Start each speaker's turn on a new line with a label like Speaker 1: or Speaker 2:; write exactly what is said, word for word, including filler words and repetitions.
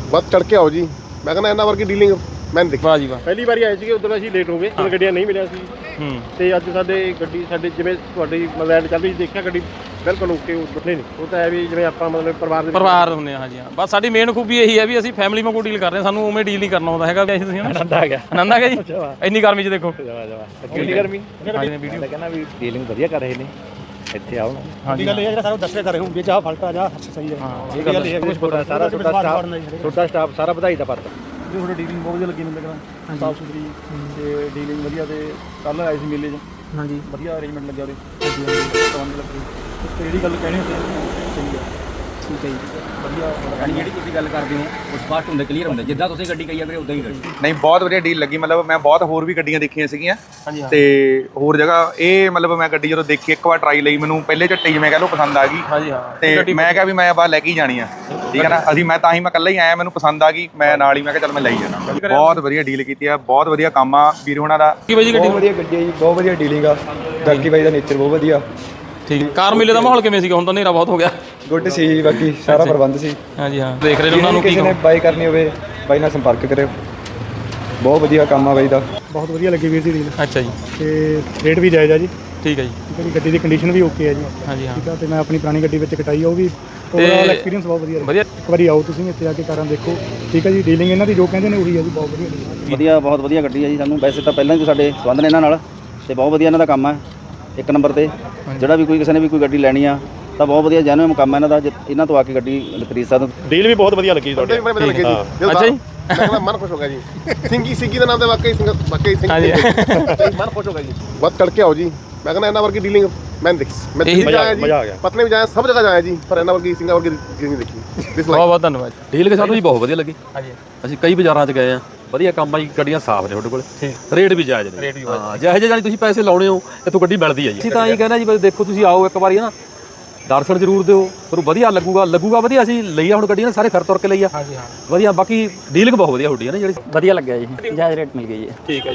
Speaker 1: ਵੱਧ ਚੜ ਕੇ ਆਓ ਜੀ। ਮੈਂ ਕਹਿੰਦਾ ਇਹਨਾਂ ਵਰਗੀ ਡੀਲਿੰਗ ਮੈਂ ਨਹੀਂ ਦੇਖੀ।
Speaker 2: ਵਾਹ ਜੀ ਵਾਹ।
Speaker 3: ਪਹਿਲੀ ਵਾਰੀ ਆਏ ਸੀਗੇ ਉਦੋਂ ਅਸੀਂ ਲੇਟ ਹੋ ਗਏ, ਜਦੋਂ ਗੱਡੀਆਂ ਨਹੀਂ ਮਿਲਿਆ ਸੀ।
Speaker 2: ਹੂੰ
Speaker 3: ਤੇ ਅੱਜ ਸਾਡੇ ਗੱਡੀ ਸਾਡੇ ਜਿਵੇਂ ਤੁਹਾਡੀ ਲੈਂਡ ਚੱਲਦੀ ਸੀ, ਦੇਖਿਆ ਗੱਡੀ ਬਿਲਕੁਲ ਓਕੇ ਨਹੀਂ ਨਹੀਂ ਉਹ ਤਾਂ ਹੈ ਵੀ ਜਿਵੇਂ ਆਪਾਂ ਮਤਲਬ ਪਰਿਵਾਰ ਦੇ
Speaker 2: ਪਰਿਵਾਰ ਹੁੰਦੇ ਹਾਂ। ਹਾਂਜੀ ਹਾਂ, ਬਸ ਸਾਡੀ ਮੇਨ ਖੂਬੀ ਇਹੀ ਹੈ ਵੀ ਅਸੀਂ ਫੈਮਿਲੀ ਵਾਂਗੂ ਡੀਲ ਕਰਦੇ ਹਾਂ, ਸਾਨੂੰ ਉਵੇਂ ਡੀਲ ਨਹੀਂ ਕਰਨਾ ਆਉਂਦਾ ਹੈਗਾ। ਤੁਸੀਂ
Speaker 3: ਆਨੰਦ ਆ ਗਿਆ।
Speaker 2: ਆਨੰਦ ਆ ਗਿਆ ਜੀ ਇੰਨੀ ਗਰਮੀ 'ਚ ਦੇਖੋ।
Speaker 3: ਜਵਾ ਜਵਾ ਕਿੰਨੀ ਗਰਮੀ ਵੀਡੀਓ ਕਹਿੰਦਾ ਵੀ ਡੀਲਿੰਗ ਵਧੀਆ ਕਰ ਰਹੇ ਨੇ ਇੱਥੇ ਆਓ।
Speaker 2: ਹਾਂਜੀ
Speaker 3: ਗੱਲ ਇਹ ਹੈ ਜਿਹੜਾ ਸਾਰਾ ਦੱਸਿਆ ਕਰ ਰਹੇ ਹੋਣਗੇ ਚਾਹ ਫਲਟਾ ਜਾ ਸਹੀ ਹੈ।
Speaker 2: ਹਾਂ ਇਹ ਗੱਲ ਹੈ।
Speaker 3: ਕੁਝ ਪਤਾ ਸਾਰਾ ਤੁਹਾਡਾ ਸਟਾਫ ਤੁਹਾਡਾ ਸਟਾਫ ਸਾਰਾ ਵਧਾਈ ਦਾ ਪਾਤਰ ਜੋ ਤੁਹਾਡੀ ਡੀਲਿੰਗ ਬਹੁਤ ਵਧੀਆ ਲੱਗੀ ਮੈਨੂੰ ਲੱਗਦਾ ਸਾਫ ਸੁਥਰੀ ਤੇ ਡੀਲਿੰਗ ਵਧੀਆ। ਤੇ ਕੱਲ੍ਹ ਆਏ ਸੀ ਮੇਲੇ 'ਚ ਹਾਂਜੀ ਵਧੀਆ ਅਰੇਂਜਮੈਂਟ ਲੱਗਿਆ ਉਹਦੇ ਹਾਂਜੀ ਲੱਗੀ ਤੇ ਜਿਹੜੀ ਗੱਲ ਕਹਿਣੀ ਸੀ ਸਹੀ ਹੈ। ਠੀਕ ਹੈ ਜੀ ਵਧੀਆ।
Speaker 4: ਯਾਨੀ ਜਿਹੜੀ ਤੁਸੀਂ ਗੱਲ ਕਰਦੇ ਹੋ ਉਹ ਸਪਸ਼ਟ ਹੁੰਦੇ ਕਲੀਅਰ ਹੁੰਦੇ ਜਿੱਦਾਂ ਤੁਸੀਂ ਗੱਡੀ ਕਹੀ ਆ ਵੀਰੇ ਉਦਾਂ ਹੀ ਗੱਡੀ।
Speaker 5: ਨਹੀਂ ਬਹੁਤ ਵਧੀਆ ਡੀਲ ਲੱਗੀ। ਮਤਲਬ ਮੈਂ ਬਹੁਤ ਹੋਰ ਵੀ ਗੱਡੀਆਂ ਦੇਖੀਆਂ ਸੀਗੀਆਂ ਤੇ ਹੋਰ ਜਗ੍ਹਾ ਇਹ ਮਤਲਬ ਮੈਂ ਗੱਡੀ ਜਦੋਂ ਦੇਖੀ ਇੱਕ ਵਾਰ ਟਰਾਈ ਲਈ ਮੈਨੂੰ ਪਹਿਲੇ ਝੱਟੇ ਜਿਵੇਂ ਕਹਿ ਲਓ ਪਸੰਦ ਆ ਗਈ।
Speaker 2: ਹਾਂਜੀ ਹਾਂ
Speaker 5: ਤੇ ਮੈਂ ਕਿਹਾ ਵੀ ਮੈਂ ਬਾਹਰ ਲੈ ਕੇ ਹੀ ਜਾਣੀ ਆ। ਠੀਕ ਹੈ ਨਾ। ਅਸੀਂ ਮੈਂ ਤਾਂ ਹੀ ਮੈਂ ਇਕੱਲਾ ਹੀ ਆਇਆ, ਮੈਨੂੰ ਪਸੰਦ ਆ ਗਈ, ਮੈਂ ਨਾਲ ਹੀ ਮੈਂ ਕਿਹਾ ਚੱਲ ਮੈਂ ਲਈ ਜਾਣਾ। ਬਹੁਤ ਵਧੀਆ ਡੀਲ ਕੀਤੀ ਆ, ਬਹੁਤ ਵਧੀਆ ਕੰਮ ਆ ਵੀਰ ਹੋਣਾ ਦਾ।
Speaker 2: ਕੀ ਬਾਈ ਜੀ ਗੱਡੀ
Speaker 6: ਬਹੁਤ ਵਧੀਆ ਗੱਡੀ ਹੈ ਜੀ, ਬਹੁਤ ਵਧੀਆ ਡੀਲਿੰਗ ਆ। ਬਾਕੀ ਬਾਈ ਦਾ ਨੇਚਰ ਬਹੁਤ ਵਧੀਆ।
Speaker 2: ਠੀਕ ਹੈ। ਕਾਰ ਮੇਲੇ ਦਾ ਮਾਹੌਲ ਕਿਵੇਂ ਸੀਗਾ? ਹੁਣ ਤਾਂ ਹਨੇਰਾ ਬਹੁਤ ਹੋ ਗਿਆ।
Speaker 6: ਗੁੱਡ ਸੀ ਜੀ, ਬਾਕੀ ਸਾਰਾ ਪ੍ਰਬੰਧ ਸੀ।
Speaker 2: ਹਾਂਜੀ ਹਾਂ ਦੇਖ ਰਹੇ ਨੇ ਉਹਨਾਂ ਨੂੰ ਕੀ
Speaker 6: ਕਿਸੇ ਨੇ ਬਾਈ ਕਰਨੀ ਹੋਵੇ ਬਾਈ ਨਾਲ ਸੰਪਰਕ ਕਰਿਓ। ਬਹੁਤ ਵਧੀਆ ਕੰਮ ਆ ਬਾਈ ਦਾ।
Speaker 3: ਬਹੁਤ ਵਧੀਆ ਲੱਗੀ ਵੀਰ ਦੀ ਡੀਲ
Speaker 2: ਅੱਛਾ ਜੀ
Speaker 3: ਤੇ ਰੇਟ ਵੀ ਜਾਇਜ਼ ਆ ਜੀ।
Speaker 2: ਠੀਕ ਹੈ ਜੀ।
Speaker 3: ਠੀਕ ਹੈ ਜੀ ਗੱਡੀ ਦੀ ਕੰਡੀਸ਼ਨ ਵੀ ਓਕੇ ਹੈ ਜੀ।
Speaker 2: ਹਾਂਜੀ ਹਾਂ
Speaker 3: ਠੀਕ ਆ। ਤੇ ਮੈਂ ਆਪਣੀ ਪੁਰਾਣੀ ਗੱਡੀ ਵਿੱਚ ਕਟਾਈ ਆ, ਉਹ ਵੀ ਓਵਰਆਲ ਐਕਸਪੀਰੀਅੰਸ ਬਹੁਤ ਵਧੀਆ
Speaker 2: ਵਧੀਆ।
Speaker 3: ਇੱਕ ਵਾਰੀ ਆਓ ਤੁਸੀਂ ਇੱਥੇ ਆ ਕੇ ਕਾਰਾਂ ਦੇਖੋ। ਠੀਕ ਹੈ ਜੀ ਡੀਲਿੰਗ ਇਹਨਾਂ ਦੀ ਜੋ ਕਹਿੰਦੇ ਨੇ ਉਹੀ ਹੈ ਜੀ। ਬਹੁਤ ਵਧੀਆ
Speaker 4: ਵਧੀਆ ਬਹੁਤ ਵਧੀਆ ਗੱਡੀ ਹੈ ਜੀ। ਸਾਨੂੰ ਵੈਸੇ ਤਾਂ ਪਹਿਲਾਂ ਹੀ ਸਾਡੇ ਸੰਬੰਧ ਨੇ ਇਹਨਾਂ ਨਾਲ ਤੇ ਬਹੁਤ ਵਧੀਆ ਇਹਨਾਂ ਦਾ ਕੰਮ ਹੈ ਇੱਕ ਨੰਬਰ ਤੇ। ਜਿਹੜਾ ਵੀ ਕੋਈ ਕਿਸੇ ਨੇ ਵੀ ਕੋਈ ਗੱਡੀ ਲੈਣੀ ਆ ਤਾਂ ਬਹੁਤ ਵਧੀਆ ਜੈਨੂਇਨ ਕੰਮ ਹੈ ਇਹਨਾਂ ਦਾ। ਇਹਨਾਂ ਤੋਂ ਆ ਕੇ ਗੱਡੀ ਖਰੀਦ ਸਕਦੇ।
Speaker 3: ਡੀਲ ਵੀ ਬਹੁਤ ਵਧੀਆ ਲੱਗੀ ਤੁਹਾਡੀ।
Speaker 1: ਵਧੀਆ ਲੱਗੇ ਜੀ।
Speaker 2: ਅੱਛਾ ਜੀ
Speaker 1: ਮੈਂ ਕਹਿੰਦਾ ਮਨ ਖੁਸ਼ ਹੋ ਗਿਆ ਜੀ। ਸਿੰਗੀ ਸਿੰਗੀ ਦੇ ਨਾਮ ਤੇ ਵਾਕਈ ਸਿੰਘ ਵਾਕਈ ਸਿੰਘ
Speaker 2: ਹਾਂਜੀ
Speaker 1: ਮਨ ਖੁਸ਼ ਹੋ ਗਿਆ ਜੀ। ਵੱਧ ਚੜ ਕੇ ਆਓ ਜੀ। ਮੈਂ ਕਹਿੰਦਾ ਇਹਨਾਂ ਵਰਗੀ ਡੀਲਿੰਗ ਮੈਂ ਨਹੀਂ ਦੇਖੀ। ਮੈਂ ਦਿੱਲੀ ਜਾਇਆ ਜੀ, ਪਟਨੇ ਵੀ ਜਾਇਆ, ਸਭ ਜਗ੍ਹਾ ਜਾਇਆ ਜੀ, ਪਰ ਇਹਨਾਂ ਵਰਗੀ ਸਿੰਘਾਂ ਵਰਗੀ ਡੀਲਿੰਗ ਨਹੀਂ ਦੇਖੀ।
Speaker 2: ਬਹੁਤ ਬਹੁਤ ਧੰਨਵਾਦ।
Speaker 7: ਡੀਲ ਕੇ ਸਾਨੂੰ ਜੀ ਬਹੁਤ ਵਧੀਆ ਲੱਗੀ।
Speaker 2: ਹਾਂਜੀ
Speaker 7: ਅਸੀਂ ਕਈ ਬਾਜ਼ਾਰਾਂ 'ਚ ਗਏ ਆ, ਵਧੀਆ ਕੰਮ ਆ ਜੀ। ਗੱਡੀਆਂ ਸਾਫ਼ ਨੇ ਤੁਹਾਡੇ ਕੋਲ, ਰੇਟ ਵੀ ਜਾਇਜ਼ ਨੇ। ਹਾਂ ਜਿਹੋ ਜਿਹੇ ਜਾਨੀ ਤੁਸੀਂ ਪੈਸੇ ਲਾਉਣੇ ਹੋ ਇੱਥੋਂ ਗੱਡੀ ਮਿਲਦੀ ਹੈ ਜੀ। ਅਸੀਂ ਤਾਂ ਇਹ ਕਹਿੰਦਾ ਜੀ ਬਸ ਦੇਖੋ ਤੁਸੀਂ ਆਓ ਇੱਕ ਵਾਰੀ ਹੈ ਨਾ, ਦਰਸ਼ਨ ਜ਼ਰੂਰ ਦਿਓ, ਤੁਹਾਨੂੰ ਵਧੀਆ ਲੱਗੂਗਾ ਲੱਗੂਗਾ ਵਧੀਆ। ਅਸੀਂ ਲਈ ਆ ਹੁਣ ਗੱਡੀ ਨਾ ਸਾਰੇ ਫਿਰ ਤੁਰ ਕੇ ਲਈ ਆ।
Speaker 2: ਹਾਂਜੀ ਹਾਂ
Speaker 7: ਵਧੀਆ। ਬਾਕੀ ਡੀਲਿੰਗ ਬਹੁਤ ਵਧੀਆ ਤੁਹਾਡੀ ਹੈ ਨਾ ਜਿਹੜੀ।
Speaker 8: ਵਧੀਆ ਲੱਗਿਆ ਜੀ, ਜਾਇਜ਼ ਰੇਟ ਮਿਲ ਗਈ ਜੀ।
Speaker 2: ਠੀਕ ਹੈ।